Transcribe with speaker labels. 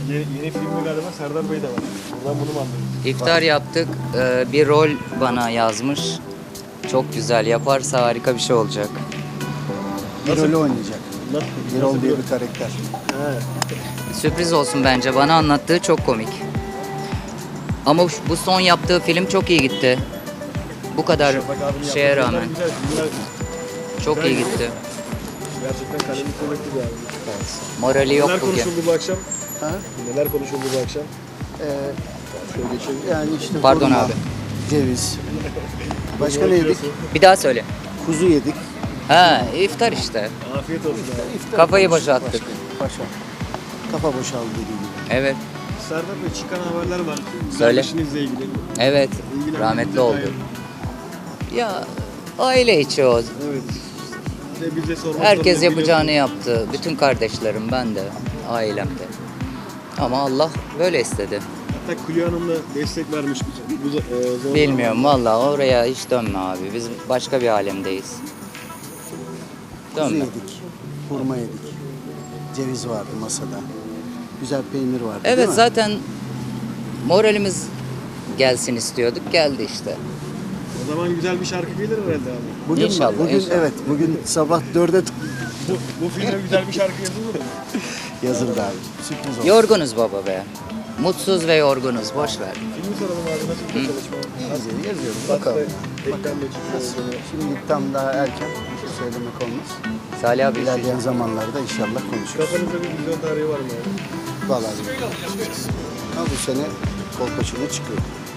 Speaker 1: Yeni filmde galiba Serdar Bey de var. Buradan bunu mu anlıyoruz?
Speaker 2: İftar yaptık. Bir rol bana yazmış. Çok güzel. Yaparsa harika bir şey olacak.
Speaker 3: Bir rolü oynayacak. Birol
Speaker 1: Nasıl
Speaker 3: diye
Speaker 1: bir
Speaker 3: bir karakter.
Speaker 1: He.
Speaker 2: Sürpriz olsun bence. Bana anlattığı çok komik. Ama bu son yaptığı film çok iyi gitti. Bu kadar
Speaker 1: Şafak abinin
Speaker 2: şeye
Speaker 1: yaptığı
Speaker 2: rağmen.
Speaker 1: filmler güzel.
Speaker 2: Çok
Speaker 1: güzel
Speaker 2: iyi
Speaker 1: gitti.
Speaker 2: gitti.
Speaker 1: Gerçekten kalemi kuvvetli bir abi.
Speaker 2: Morali yok
Speaker 1: Neler
Speaker 2: bugün.
Speaker 1: konuşuldu bu akşam?
Speaker 3: Ha?
Speaker 1: Neler konuşuldu bu akşam?
Speaker 3: Şöyle geçelim. Yani işte
Speaker 2: Pardon
Speaker 3: hurma,
Speaker 2: abi.
Speaker 3: ceviz. Başka ne yedik?
Speaker 2: Bir daha söyle.
Speaker 3: Kuzu yedik.
Speaker 2: Ha, iftar işte.
Speaker 1: Afiyet olsun abi.
Speaker 3: İftar
Speaker 2: Kafayı
Speaker 3: konuştuk
Speaker 2: boşalttık.
Speaker 3: Başka. Kafa boşaldı dediğim gibi.
Speaker 2: Evet.
Speaker 1: Serdar Bey çıkan haberler var.
Speaker 2: Söyle.
Speaker 1: İşinizle ilgili.
Speaker 2: Evet.
Speaker 1: İlgilendiğinize
Speaker 2: Rahmetli oldu.
Speaker 1: dair.
Speaker 2: Ya aile içi o.
Speaker 1: Evet. Bize sormak
Speaker 2: Herkes
Speaker 1: zorunda
Speaker 2: yapacağını yaptı. Bütün kardeşlerim, ben de, ailemde. Ama Allah böyle istedi.
Speaker 1: Hatta Külya Hanım da destek vermiş bu zor
Speaker 2: Bilmiyorum vallahi, oraya hiç dönme abi. Biz başka bir alemdeyiz.
Speaker 3: Kuzu
Speaker 2: Dönme.
Speaker 3: yedik. Hurma yedik. Ceviz vardı masada. Güzel peynir vardı değil
Speaker 2: Evet,
Speaker 3: mi?
Speaker 2: zaten moralimiz gelsin istiyorduk. Geldi işte.
Speaker 1: O zaman güzel bir şarkı gelir herhalde abi.
Speaker 3: Bugün,
Speaker 2: İnşallah,
Speaker 3: bugün
Speaker 2: inşallah.
Speaker 3: evet, bugün sabah 4'e
Speaker 1: Bu filme güzel bir şarkı yazılır mı?
Speaker 3: yazıldı abi. Sürpriz oldu.
Speaker 2: Yorgunuz baba be. Mutsuz ve yorgunuz. Boş ver.
Speaker 1: Filmi soralım abi nasıl bir çalışma?
Speaker 3: Yazıyoruz.
Speaker 1: Bakalım.
Speaker 3: Bakalım.
Speaker 1: Ekranla çıkıyor.
Speaker 3: Şimdi tam daha erken bir şey söylemek olmaz.
Speaker 2: Salih abi.
Speaker 3: İlerleyen zamanlarda inşallah konuşuruz.
Speaker 1: Kafanızda bir vizyon tarihi var mı abi?
Speaker 3: Vallahi bilmiyorum. Ama bu sene Kolpaçino çıkıyor.